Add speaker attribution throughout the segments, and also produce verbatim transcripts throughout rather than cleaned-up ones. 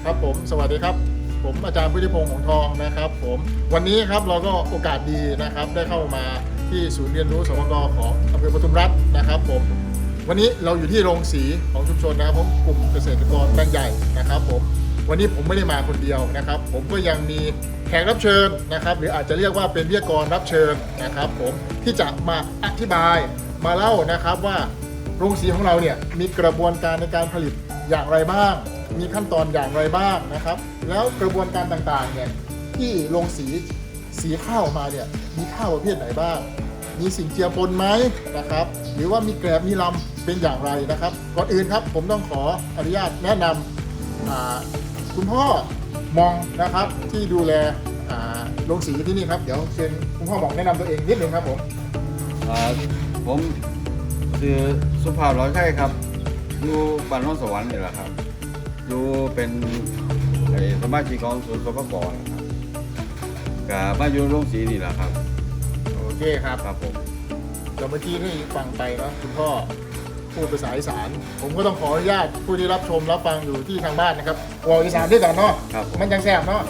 Speaker 1: ครับผมสวัสดีครับผมอาจารย์พุทธิพงษ์หงส์ทองนะครับผมวันนี้ครับเราก็โอกาสดีนะครับได้เข้ามาที่ศูนย์เรียนรู้สปก.ของอำเภอปทุมรัฐนะครับผมวันนี้เราอยู่ที่โรงสีของชุมชนนะครับผมกลุ่มเกษตรกรแปลงใหญ่นะครับผมวันนี้ผมไม่ได้มาคนเดียวนะครับผมก็ยังมีแขกรับเชิญนะครับหรืออาจจะเรียกว่าเป็นวิทยากรรับเชิญนะครับผมที่จะมาอธิบายมาเล่านะครับว่าโรงสีของเราเนี่ยมีกระบวนการในการผลิตอย่างไรบ้างมีขั้นตอนอย่างไรบ้างนะครับแล้วกระบวนการต่างๆเนี่ยที่โรงสีสีข้าวมาเนี่ยมีข้าวประเภทไหนบ้างมีสิ่งเจือปนไหมนะครับหรือว่ามีแกลบมีลำเป็นอย่างไรนะครับก่อนอื่นครับผมต้องขออนุญาตแนะนำคุณพ่อมองนะครับที่ดูแลโรงสีที่นี่ครับเดี๋ยวเชิญคุณพ่อมองแนะนำตัวเองนิดนึงครับผม
Speaker 2: ผมชื่อสุภาพร้อยไข่ครับอยู่บ้านโนนสวรรค์นี่แหละครับอยู่เป็นสมาชิกของศูนย์สปก.นะครับกับมาอยู่โรงสีนี่แหละครับ
Speaker 1: โอเคครับ
Speaker 2: ครับผม
Speaker 1: เมื่อกี้ที่ฟังไปนะคุณพ่อพูดภาษาอีสานผมก็ต้องขออนุญาตผู้ที่รับชมรับฟังอยู่ที่ทางบ้านนะครับว่าอีสานด้วยกันเนาะมันยังแซ่บเนาะ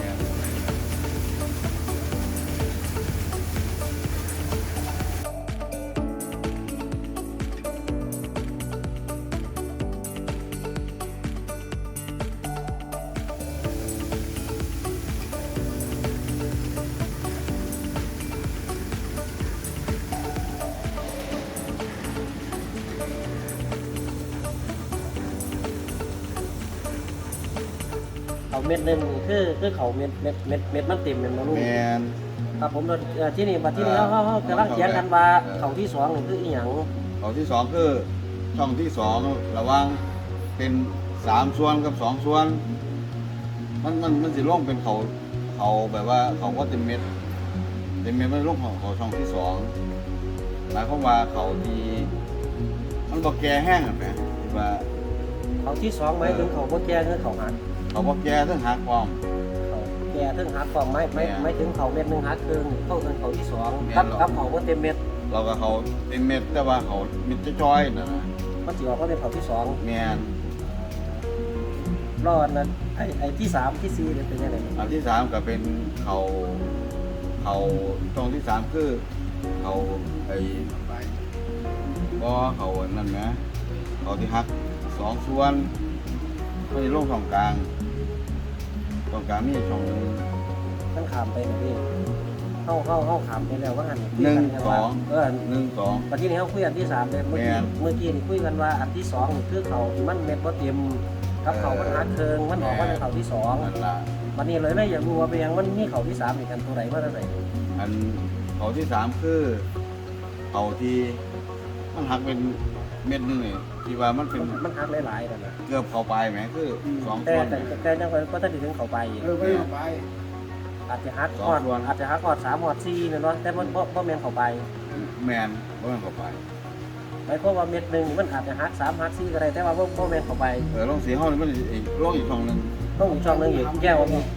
Speaker 3: เขาเม็ดหนึ่งคือคือเขาเม็ดเม็ดเม็ดเม็ดมันเต็มเป็นมาลูกครับผมที่นี่บัดที่นี่เขาเขากำลังเถียงกันว่าเขาที่สองนี่คืออีหยัง
Speaker 2: เขาที่สองคือช่องที่สองระหว่างเป็นสามส่วนกับสองส่วนมันมันมันสิร่วงเป็นเขาเขาแบบว่าเขาก็เต็มเม็ดเต็มเม็ดมันร่วงของเขาช่องที่สองหมายความว่าเขาที่มันบอกแก่แห้งอ่ะแม่ที่ว่า
Speaker 3: เขาที่สองหมายถึงเขาบ่แก่คือเขาหัก
Speaker 2: เขาบอกแก่ถึงหักความ
Speaker 3: เขาแก่ถึงหักความไม่ไม่ไม่ถึงเขาเม็ดหนึ่งหักครึ่งเข้าถึงเขาที่สองกับกับเขาบ่เต็มเม็ด
Speaker 2: เราก็เขาเต็มเม็ดแต่ว่าเขาเม็ดจ้อยๆนะนะ
Speaker 3: มันสิออกก็เป็นเขาที่สอง
Speaker 2: แม่น
Speaker 3: รอดนั้นไอ้ไอ้ที่สามที่สี่เป็นยังไง
Speaker 2: อันที่สามก็เป็นเขาเขาตรงที่สามคือเขาไอ้บ่เขานั่นนะเขาที่หักสองส่วนไม่ได้ลงตรงกลางตรงกลางมีช่องนึง
Speaker 3: มันขามไปนะพี่เข้าเข้าเข้าขามไปแล้วว่าอัน
Speaker 2: หนึ่งสอง
Speaker 3: เออ
Speaker 2: หนึ่งสอง
Speaker 3: ตอนที่นี้เขาคุยอันที่สามเลยเมื่อกี้เมื่อกี้นี่คุยกันว่าอันที่สองคือเขามันเม็ดบ่เต็มกับเขามันหักเคิงมันออกว่าเป็นเขาที่สองวันนี้เลยเลยอยากรู้ว่าเป็นยังมันมีเขาที่สามอีกกันตัวไหนมาตัวไหน
Speaker 2: อันเขาที่สามคือเขาที่มันหักเป็นเม็ดนึงนี่ที่ว่ามันเป็น
Speaker 3: มันหักหลายๆนั่นแหละ
Speaker 2: เกือบเข้าไปไหมคือสอง
Speaker 3: ส่
Speaker 2: วน
Speaker 3: แต่แต่ยังก็ถ้าถึงเข้าไป
Speaker 1: เออไม่เข้าไป
Speaker 3: อาจจะหักก่อนอาจจะหักก่อนสามหอดสี่เนี่ยเนาะแต่มันบ่บ่แมนเข้าไป
Speaker 2: แมนบ่แมนเข้าไป
Speaker 3: หมายความว่าเม็ดหนึ่งมันอาจจะหักสามหักสี่ก็ได้แต่ว่าบ่บ่แมนเข้าไป
Speaker 2: เออลงสีห้องนี่มันอีกลงอีกช่องนึง
Speaker 3: ต้องอีกช่องนึงอีกแก้วมี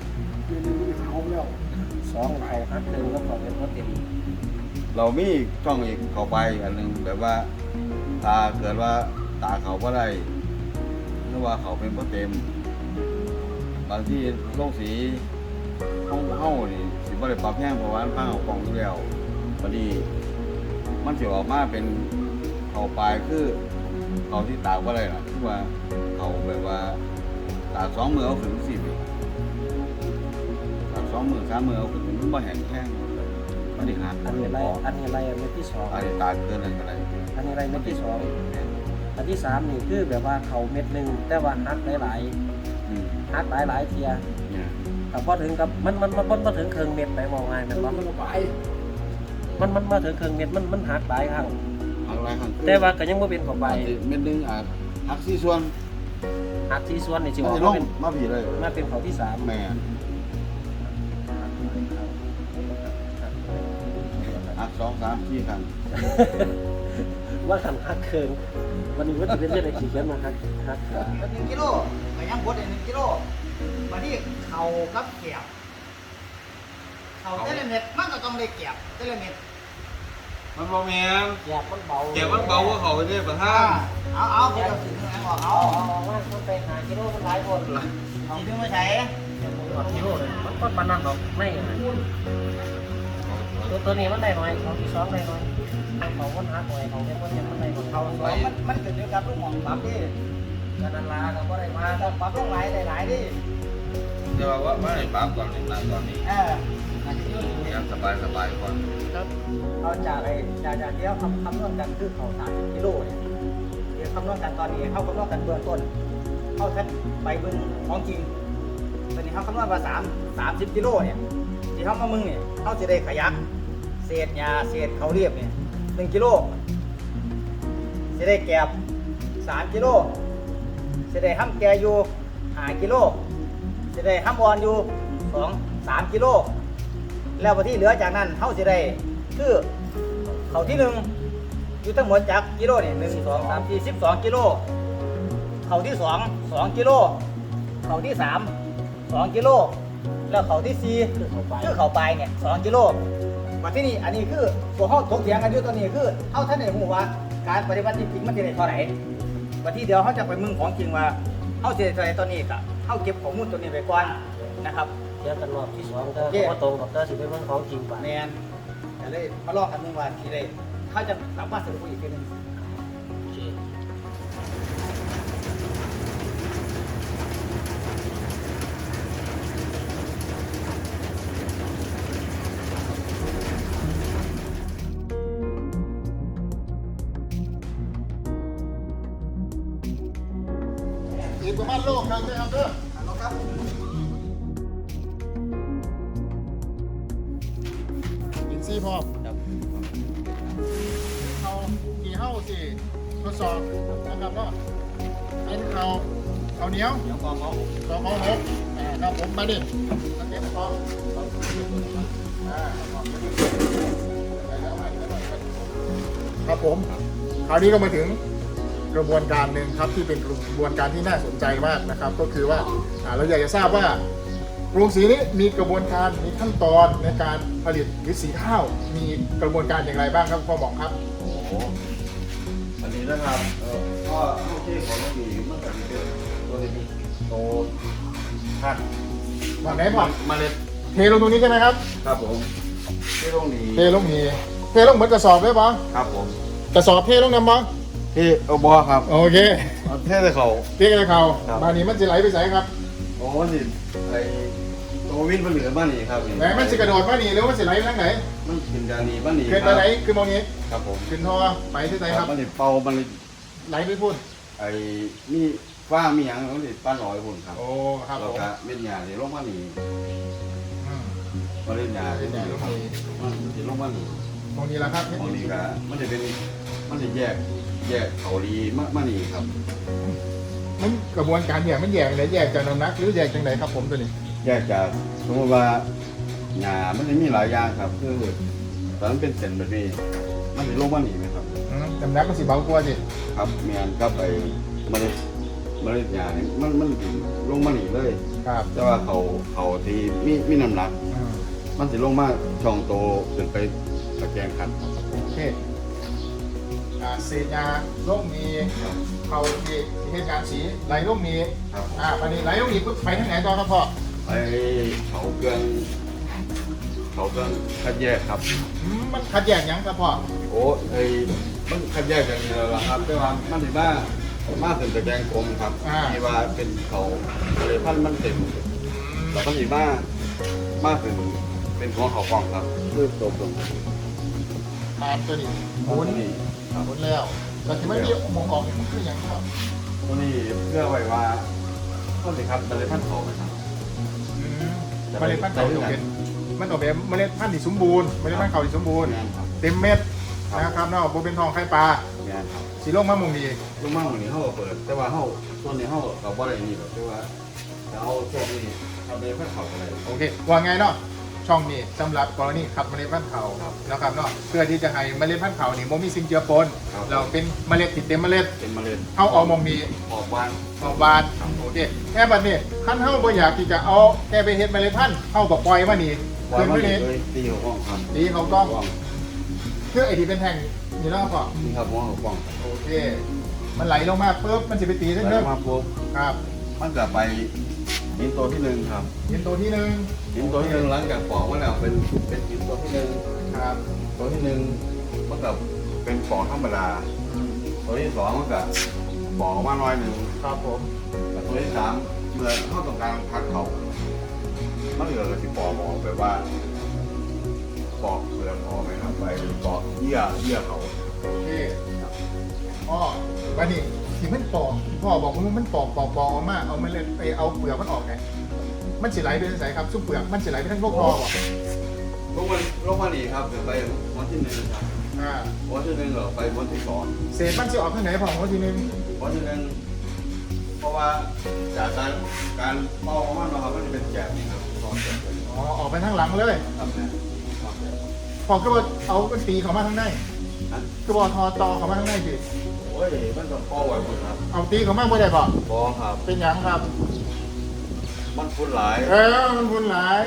Speaker 3: สองเขาหักหนึ่งก็เขาเป็นเพราะเต็ม
Speaker 2: เรามีช่องอีกเข้าไปอันนึงแบบว่าตาเกิดว่าตาเขาบ่ได้หรือว่าเขาเป็นบ่เต็มบางที่ลงสีห้องเฮ้านี่สิบ่ได้ปรับแห้งเพราะว่าพังเอากล่องอยู่แล้วพอดีมันสิออกมาเป็นเขาปลายคือเขาที่ตากบ่ได้ล่ะคือว่าเขาแบบว่าตากสองมือเอาขึ้นสิบตากสองมือสามมือเอาขึ้นมันบ่แห้งแห้งอันนี้หัก
Speaker 3: อันนี้อะไรอันนี้อะไรเม็ดที่สอง
Speaker 2: อันนี้ตากเกินอะไรก็ได้
Speaker 3: อันนี้อะไรเม็ดที่สองอันที่สามนี่คือแบบว่าเขาเม็ดหนึ่งแต่ว่าหักหลายๆหักหลายๆเทียแต่พอถึงกับมันมันมันมาถึงเครื่องเม็ดไปมองไงมันว่ามันมันมาถึงเครื่องเม็ดมันมันหักหลายครั้ง
Speaker 2: หักหลายครั้ง
Speaker 3: แต่ว่าก็ยังไม่เป็นเข้าไป
Speaker 2: เม็ดนึงอาจหักสี่ส่วน
Speaker 3: หักสี่ส่วนนี่สิ
Speaker 2: ว่าเป็นมาผีเลย
Speaker 3: มาเป็นเขาที่สาม
Speaker 2: แม่หักสองสามสี่ครั้ง
Speaker 3: ว่าขันหักเครื่องวันนี้ว่าจะเป็นเรื่องอะไรขี่เขียนมาหักหัก
Speaker 4: หนึ่งกิโลไปยังบดหนึ่งกิโลมาที่เข่ากับเกียบเข่าเตลเม็ดมันก็ต้องได้เกียบเตลเม็ด
Speaker 2: มันบ่แม่น
Speaker 3: เกียบมันเบา
Speaker 2: เกียบมันเบากว่าเขาเนี่ยประธาน
Speaker 4: เอาเอาไปเอาถึงไหนบอกเอา
Speaker 3: เอาว่ามันไปหากิโลมันหลายคน
Speaker 4: สีดึงมาใช้
Speaker 3: หอดกิโลเลยมันก็ปานนั้นหรอกไม่ตัวตัวนี้มันได้หน่อยของที่สองได้หน่อยเขาคนหักหน่อยเขาเป็นคนยังมันได้ของเขาสวย
Speaker 4: มันมันเกิดจากลูกหมองปั๊บดิ
Speaker 3: กันนันลาก็ได้มา
Speaker 4: แต่ปั๊บลงหลายหลายดิ
Speaker 2: เดี๋ยวว่าว่าไอ้ปั๊บก่อนนี่นั่งก่อนนี่
Speaker 4: เออ
Speaker 2: ยังสบายสบายก่อน
Speaker 4: เอาจากไอ้จากจากที่เขาคำคำนวณกันคือเขาสามสิบกิโลเนี่ยเดี๋ยวคำนวณกันตอนนี้เขาคำนวณกันเบื้องต้นเขาแค่ไปเบื้องของจริงตอนนี้เขาคำนวณมาสามสามสิบกิโลเนี่ยที่เขามามึงเนี่ยเขาจะได้ขยักเศษยาเศษเขาเรียบเนี่ยหนึ่งกิโลจะได้แกบสามกิโลจะได้ห้ำแกอยู่ห้ากิโลจะได้ห้ำอ่อนอยู่สองสามกิโลแล้วพอที่เหลือจากนั้นเขาจะได้คือเขาที่หนึ่งอยู่ทั้งหมดจากกิโลเนี่ยหนึ่งสองสามสี่สิบสองกิโลเขาที่สองสองกิโลเขาที่สามสองกิโลแล้วเขาที่สี่
Speaker 3: คือเขาไป
Speaker 4: คือเขาไปเนี่ยสองกิโลมาที่นี่อันนี้คือตัวห้องถกเถียงกันอยู่ตัวนี้คือเอาท่านในหูว่าการปฏิบัติจริงมันจะได้เท่าไหร่วันที่เดียวเขาจะไปมึงของจริงว่าเขาจะได้เท่าไหร่ตัวนี้กับเขาเก็บข้อมูลตัวนี้ไปก่อนนะครับ
Speaker 3: เดี๋ยวกันรอบที่สองก็ว่าตรงกับเตอร์สิเป็นเรื่องของจริงป่ะ
Speaker 4: แมนจะเลยมาลองกันหนึ่งวันทีเลยเขาจะสามารถสรุปอีกทีหนึง
Speaker 3: โอเค
Speaker 1: อีกประมาณโลกนึงนะครับเด้อ
Speaker 4: เอาครับ
Speaker 1: อินซี่พร้อม
Speaker 3: ครับ
Speaker 1: เขากี่เฮ้าสิทดสอบนะครับว่าเป็นเขาเขาเหนียว
Speaker 3: เดี๋ยวกองเขา
Speaker 1: สองเขาหกอ่าครับผมมาดิมาเก็บของอ่าครับผมคราวนี้ก็มาถึงกระบวนการหนึ่งครับที่เป็นกระบวนการที่น่าสนใจมากนะครับ ก็คือว่าอ่าเราอยากจะทราบว่าโรงสีนี้มีกระบวนการมีขั้นตอนในการผลิตหรือสีข้าว มีกระบวนการอย่างไรบ้างครับพ่อหมองครับ
Speaker 2: โอ้โหอันนี้นะครับเออก็โอเคของเราดีมันก็จะเป็นตัวนี้โตพัน
Speaker 1: วันไหนพ่อ
Speaker 2: เมล็ด
Speaker 1: เทลงตรงนี้ใช่ไหมครับ
Speaker 2: ครับผมที่ตรงนี้
Speaker 1: เทลงนี้เทลงเหมือนกระสอบได้ปะ
Speaker 2: ครับผม
Speaker 1: กระสอบเทลงน้ำมั้ง
Speaker 2: ที่เอาบอครับ
Speaker 1: โอเค
Speaker 2: เอาเทใส่เขา
Speaker 1: เทกระเขา
Speaker 2: ครับ
Speaker 1: บานนี้มันจะไหลไปใส่ครับ
Speaker 2: โอ้นี่ไอ้ตัววินมันเหลือบ้านนี่ครับนี่
Speaker 1: ไหนมันจะกระโดดมานี่หรือว่ามันจะไหลไปทางไหน
Speaker 2: มันขึ้นดานีบ้านนี่
Speaker 1: ขึ้นไปไหนขึ้นมองนี้
Speaker 2: ครับผม
Speaker 1: ขึ้นทอไปที่ไหนครับ
Speaker 2: มันนี่เป่ามันนี่
Speaker 1: ไหลไปพุ่น
Speaker 2: ไอ้มีฟ้ามีหยังมันนี่ป้าน้อยพุ่นครับ
Speaker 1: โอ้ครับผ
Speaker 2: แล้ว
Speaker 1: ม
Speaker 2: ก็เม็ดหญ้าที่ลงมานี่
Speaker 1: อืม
Speaker 2: มาเล่นหญ้า
Speaker 1: เม็
Speaker 2: ที่
Speaker 1: ดหญ้าลงมานี่
Speaker 2: มันสิลงมานี่
Speaker 1: ตรงนี้แหละครับเม็ด
Speaker 2: ตรงนี้
Speaker 1: นี้
Speaker 2: ก็มันจะเป็นมันจะแยกแยกเขาดีมากมานี่ครับ
Speaker 1: มันกระบวนการแยกมันแยกไหนแยกจากน้ำหนักหรือแยกจากไหนครับผมตัวนี้
Speaker 2: แยกจากสมมติว่าหญ้ามันจะมีหลายอย่างครับคือตอนนั้นเป็นเส้นแบบนี้มันจะลงมานี่ไหมครับ
Speaker 1: อืมน้ำหนักมันสิเบากว่าสิ
Speaker 2: ครับเมียนครับไอ้เมล็ดเมล็ดหญ้านี่มันมันสิลงมานี่เลย
Speaker 1: ครับ
Speaker 2: แต่ว่าเขาเขาที่มีมีน้ำหนัก
Speaker 1: อืม
Speaker 2: มันสิลงมาช่องโตขึ้นไปตะแกรงขัน
Speaker 1: โอเคอ่าเศษยาลงมีเขาที่ที่เหตุการณ์สีไหลลงมี
Speaker 2: ครับ
Speaker 1: อ่าวันนี้ไหลลงมีปุ๊บไปทางไหนต่อครับพ่อ
Speaker 2: ไอ้เขาเครื่องเขาเครื่องคัดแยกครับ
Speaker 1: อืมมันขัดแยกหยังครับพ่อ
Speaker 2: โอ้ไอ้มันคัดแยกกันนี่แล้วล่ะครับแต่ว่ามันสิมามาถึงตะแกรงกลมครับที่ว่าเป็นเขาเลยพันธุ์มันเต็มแล้วก็สิมามาถึงเป็นของเขากล่องครับคือตกลง
Speaker 1: ตามตัวนี้หมุน
Speaker 2: นี่ครับ
Speaker 1: หมุนแล้วแต่ที่ไม่มีหมองออกนี่มันคืออย่างครับ
Speaker 2: ตัวนี้เพื่อไว้ว่าต้นสิครับมันเลยพันธุ์เขาไปครับ
Speaker 1: อืมเมล็ดพันธุ์เขาจะเป็นมันออกแบบเมล็ดพันธุ์ที่สมบูรณ์เมล็ดพันธุ์เขาที่สมบูรณ์
Speaker 2: งานครับ
Speaker 1: เต็มเม็ด
Speaker 2: ครับ
Speaker 1: นะครับเนาะโบเป็นทองไข่ปลาง
Speaker 2: านครับ
Speaker 1: สีโลกมะมุงดี
Speaker 2: ลูกมั่งวันนี้เขาก็เปิด แต่ว่าเขาตัวนี้เขากับว่าอะไรนี่แบบที่ว่าจะเอาพวกนี้ทำเป็นพันธุ์เขาอะไร
Speaker 1: โอเคว่าไงเนาะช่องนี้สำหรับกรณีขับเมล็ดพันธุ์เขา
Speaker 2: ครับ
Speaker 1: นะครับเนาะเพื่อที่จะให้เมล็ดพันธุ์เขานี่โมมีสิ่งเจือปน
Speaker 2: ครับ
Speaker 1: เราเป็นเมล็ดติดเต็มเมล็ด
Speaker 2: เป็นเมล็ด
Speaker 1: เขาเอามองดี
Speaker 2: ออกบ้าน
Speaker 1: ออกบานโอเคแค่บัดนี้ขั้นเฮาบ่อยากที่จะเอาแค่ไปเฮ็ดเมล็ดพันธุ์เฮาก็ปล่อยมานี่
Speaker 2: ปล่อย
Speaker 1: ขึ้น
Speaker 2: มา
Speaker 1: ไป
Speaker 2: เล
Speaker 1: นี่
Speaker 2: ยตีหัวกล้องครับ
Speaker 1: ดีเขาต้อง
Speaker 2: กล้อง
Speaker 1: คือไอ้ที่เป็นแท่งนี่แล้วก็
Speaker 2: นี่ครับหัวกล้อง
Speaker 1: โอเค มันไหลลงมาปุ๊บมันสิไปตีเส้น
Speaker 2: แล้
Speaker 1: เรื่
Speaker 2: ว
Speaker 1: อง
Speaker 2: มาปุ๊บ
Speaker 1: ครับ
Speaker 2: มันจะไปหินตัวที่หนึ่งครับ
Speaker 1: หินตัวที่หนึ่ง
Speaker 2: หินตัวที่หนึ่งหลังจากปอกมาแล้วเป็นเป็นหินตัวที่หนึ่ง
Speaker 1: ครับ
Speaker 2: ตัวที่หนึ่งมันกับเป็นปอกธรรมดา
Speaker 1: อืม
Speaker 2: ตัวที่สองมันกับปอกมาหน่อยหนึ่ง
Speaker 1: ครับผม
Speaker 2: แต่ตัวที่สามเมื่อเข้าต้องการพักเขามันเหลือก็สิปอกออกแบบว่าปอกเปลือกออกไหมครับไปปอกเยื่อเยื่อเขา
Speaker 1: โอเคอ๋อวันนี้ที่มันปอกพ่อบอกว่ามันปอกปอกปอกออกมาเอามันเลยไปเอาเปลือกมันออกไงมันสิไหลไปทางไหนครับซุปเปลือกมันสิไหลไปทางพวกคอบ่
Speaker 2: ลงวันลงวันนี้ครับเดี๋ยวไปวันที่หนึ่งครับ
Speaker 1: อ่า
Speaker 2: วันที่หนึ่งเหรอไปวันที่สอง
Speaker 1: เศษมันสิออกทางไหนพ่อของทีนึง
Speaker 2: วันที่หนึ่งเพราะว่าจากการการเป่าของมันนะครับมันจะเป็นแกบนี่ครับตอนแกบเลย
Speaker 1: อ๋อออกไปทางหลังเลย
Speaker 2: ครับเนี่ยครับเนี่ย
Speaker 1: พอก็ว่าเอาเป็นตีเขามาข้างใน
Speaker 2: นะ
Speaker 1: ก็บอกทอตอเขามาข้างในสิ
Speaker 2: โอ้ยมันต้องเป่าไว้หมดครับ
Speaker 1: เอาตีเขามาบ่ได้ป่ะ
Speaker 2: บอครับ
Speaker 1: เป็นหยังครับ
Speaker 2: มันฟุ้นหลาย
Speaker 1: เออมันบุญหลาย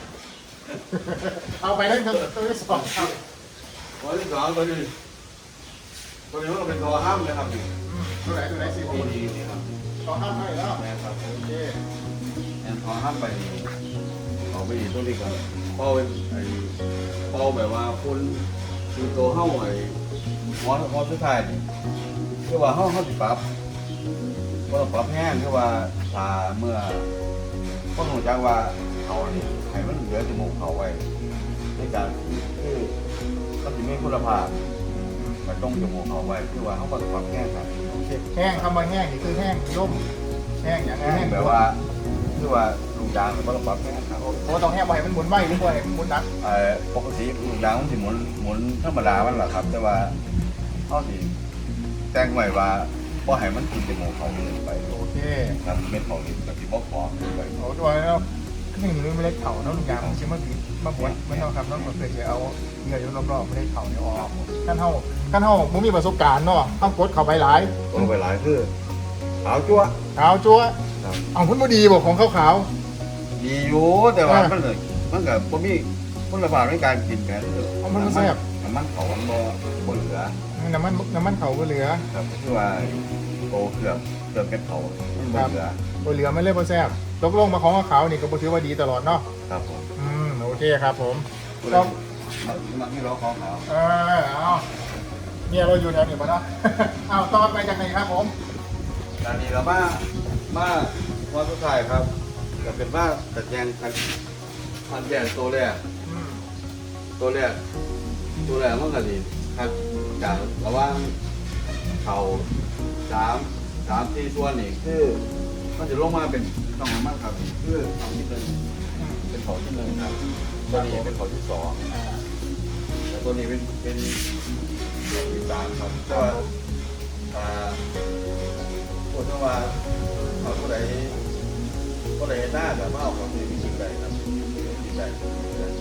Speaker 1: เอาไปได้ทั้งตัวที่สองครับ
Speaker 2: วันที่สองตัวนี้ตัวนี้มันก็เป็นตัวห้ามเลยครับนี่
Speaker 1: อืมตัวไหนตัวไหนสิ
Speaker 2: ตัว
Speaker 1: พี่
Speaker 2: นี้นี่ครับ
Speaker 1: ต่อห้ามให้แล้ว
Speaker 2: แม่ครับ
Speaker 1: โอเค
Speaker 2: แอนทอห้ามไปเอาไปอีกตัวนี้ก่อนเป่าเป็นไอ้เป่าแบบว่าฟุ้นคือตัวเฮ้าไอ้หมอหมอสุดท้ายนี่คือว่าเฮ้าเฮ้าสิปรับว่าต้องปรับแห้งคือว่าตาเมื่อคนรู้จักว่าเขานี่ให้มันเหลือจมูกเขาไว้ในการคือเขาจะมีคุณภาพมันต้องจมูกเขาไว้คือว่าเขาก็ต้องปรับแห้งครับ
Speaker 1: โอเคแห้งคำว่าแห้งนี่คือแห้งร่มแห้งอย่าง
Speaker 2: แห้
Speaker 1: แห้
Speaker 2: ง
Speaker 1: ง
Speaker 2: แบบว่าคือว่าลูกยางมันก็ต้องปรับแห้งครับ
Speaker 1: เพราะว่าต้องแห้งบ่ให้มันหมุนไวหรือบ่ให้มันหมุนหนัก
Speaker 2: เอ่อปกติลูกยางมันสิหมุนหมุนธรรมดามันแหละครับ แต่ว่าเขาสิแต่งไว้ว่าบ่ให้มันกินจมูกเขาเลยไป
Speaker 1: โอเค
Speaker 2: ครับเม็ดเขานี่ก็สิบ่พอไป
Speaker 1: โอ้ตัวแล้วขึ้นหนึ่งไม่เล็กเข่าเนาะลูกยางของชิมาบีมาบดไม่เนาะครับน้องก็เคยจะเอาเหงื่ออยู่รอบๆไม่ได้เข่าเนี่ยออกขั้นเท่าขั้นเท่ามึงมีประสบการณ์เนาะต้องกดเข่าไปหลาย
Speaker 2: ลงไปหลายคือขาวจั๊ว
Speaker 1: ขาวจั๊ว
Speaker 2: ครับ
Speaker 1: เอาพุ่นบ่ดีบอกของขาว
Speaker 2: ดีอยู่แต่ว่ามันเลยมันก็บ่มีคุณภาพในการกินกันน้ำมันเขามันบ่บ่เหลือ
Speaker 1: ๆน้ำมันน้ำมันเข่าบ่เหลือ
Speaker 2: ครับคือว่าโตเกือบเกือบเป็นเขามันบ่เหลือ
Speaker 1: บ่เหลือไม่เล่บ่แซ่บตกลงมาของขาวนี่ก็บ่ถือว่าดีตลอดเนาะ
Speaker 2: ครับผม
Speaker 1: อืมโอเคครับผม
Speaker 2: ก็
Speaker 1: ก็
Speaker 2: มาที่เราของเขา
Speaker 1: เออเอาเนี่ยเราอยู่แถวนี้ปะเนาะ เอาตอนไปจากไหนครับผม
Speaker 2: การนี้เรามามาวันสุดท้ายครับก็เป็นว่าตัดแยงคันคันแยงตัวแรก
Speaker 1: อืม
Speaker 2: ตัวแรกตัวแรกมันก็ดีครับจากระหว่างเขาสามสามสี่ส่วนนี่คือมันจะลงมาเป็นต้องน้ำมันครับคือเขาที่หนึ่ง
Speaker 1: อืม
Speaker 2: เป็นเขาที่หนึ่งครับตัวนี้เป็นเขาที่สอง
Speaker 1: อ่า
Speaker 2: แล้วตัวนี้เป็นเป็นเขาที่สามครับแต่ว่าอ่าพูดถึงว่าเขาตัวไหนตัวไหนหน้าแต่ว่าเอาของที่มีสิ่งใดครับสิ่งใดสิ่งใด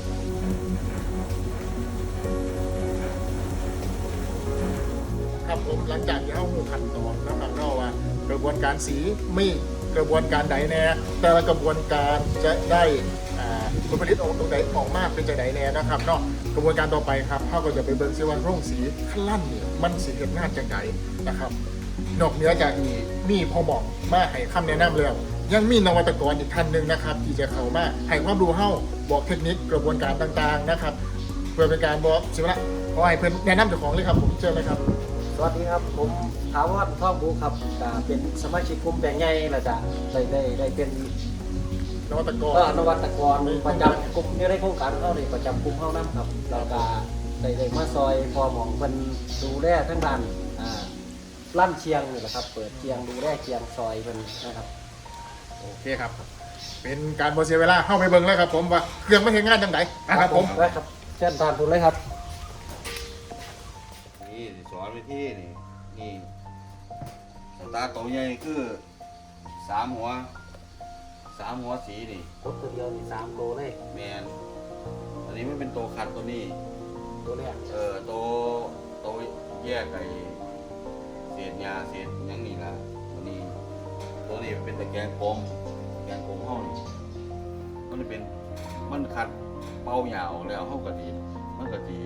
Speaker 1: ครับผมหลังจากที่เข้าหูขั้นตอนนะครับก็ว่ากระบวนการสีมีกระบวนการใดแน่แต่ละกระบวนการจะได้อ่าผลผลิตออกตรงไหนออกมากเป็นจะไหนแน่นะครับเนาะกระบวนการต่อไปครับเขาก็จะไปเบิ่งซิว่าโรงสีขั้นลั่นเนี่ยมันสีเกิดงานจังไดนะครับนอกเหนือจากนี้มีพอบอกมาให้คำแนะนำแล้วยังมีนวัตกรอีกท่านหนึ่งนะครับ ที่จะเข้ามาให้ความรู้เฮาบอกเทคนิคกระบวนการต่างๆนะครับ เพื่อเป็นการบอกสิว่าขอให้เพื่อนแนะนำเจ้าของเลยครับผมเชิญเลยครับ
Speaker 3: สวัสดีครับผมถาวรท่องบูครับก็เป็นสมาชิกกลุ่มแบ่งใหญ่แล้วก็ได้ได้ได้เป็น
Speaker 1: นวัตกร
Speaker 3: เอ่อนวัตกรประจำกลุ่มในโครงการเขาเลยประจำกลุ่มเขานํครับแล้วก็ได้ได้มาซอยพอหมองเพิ่นดูแลทั้งด้านอ่าลั่นเชียงนี่แหละครับเปิดเชียงดูแลเชียงซอยเพิ่นนะครับ
Speaker 1: โอเคครับ เป็นการบเสียเวลาเข้าไปเบิ่งเลยครับผมว่าเครื่องไม่เห็นงานจังไดนะครับผม
Speaker 3: ได้ครับเชิญทานทุนเลยครับ
Speaker 2: นี่สิสอนวิธีนี่นี่สตาร์ตัวใหญ่คือสามหัวสามหัวสีนี่
Speaker 3: รถตัวเดียวนี่สามโลเลย
Speaker 2: แมนอันนี้ไม่เป็นตัวขัดตัวนี้
Speaker 3: ตัวแรก
Speaker 2: เออตัวตัวแยกไอ้เศษยาเศษหยังนี่ล่ะตัวนี้ตัวนี้เป็นตะแกรงกลมแกรงกลมห้องนี่มันจะเป็นมันขัดเป้ายาวแล้วห้องกะดีมันกะดี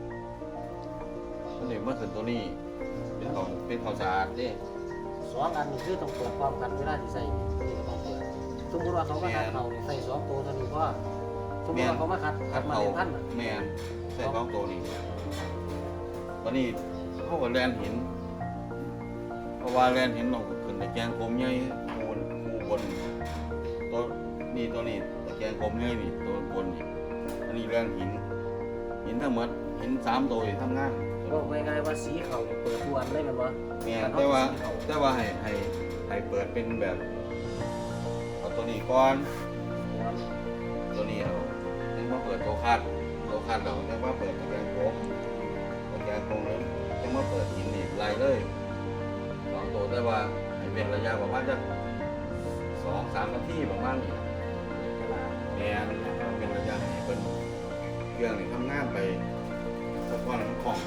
Speaker 2: มันเลยมันขึ้นตัวนี้เป็นของเป็นข้าวสารเด้
Speaker 3: สองอันนี้คือต้องเปิดพร้อมกันเวลาที่ใส่นี่ก็ต้องเปิด
Speaker 1: ค
Speaker 3: สมมติว่าเขามาคัดเขาเนี่ยใส่สองตัวเท่านี้ว่าสมมติว่าเขามาคัดคัดมาเป็นพันน่ะ
Speaker 2: แม่นใส่สองตัวนี้วันนี้เขาก็แลนหินเพราะว่าแลนหินลงขึ้นในแกงกลมใหญ่คูนคูบนตัวนี่ตัวนี้ตะแกงกลมใหญ่นี่ตัวบนนี่อันนี้แลนหินหินทั้งหมดหินสามตัวที่ทำงาน
Speaker 3: บอกง่ายๆว่าสีเขาเนี่ยเปิดทุกวันเลยแมันบ่
Speaker 2: แม่นแต่ว่าแต่ว่าให้ให้ให้เปิดเป็นแบบเอาตัวนี้ก่อนตัวนี้เอาถึงมาเปิดตัวคัดตัวคัดเราถึงมาเปิดตะแกรงโค้งตะแกรงโค้งเลยถึงมาเปิดหินอีกไล่เลยสองตัวแต่ว่าให้เป็นระยะประมาณจะสองสามนาทีประมาณนี้แม่นเป็นระยะให้เป็นเครื่องนี่ทำงานไปสักวันมันคล่อง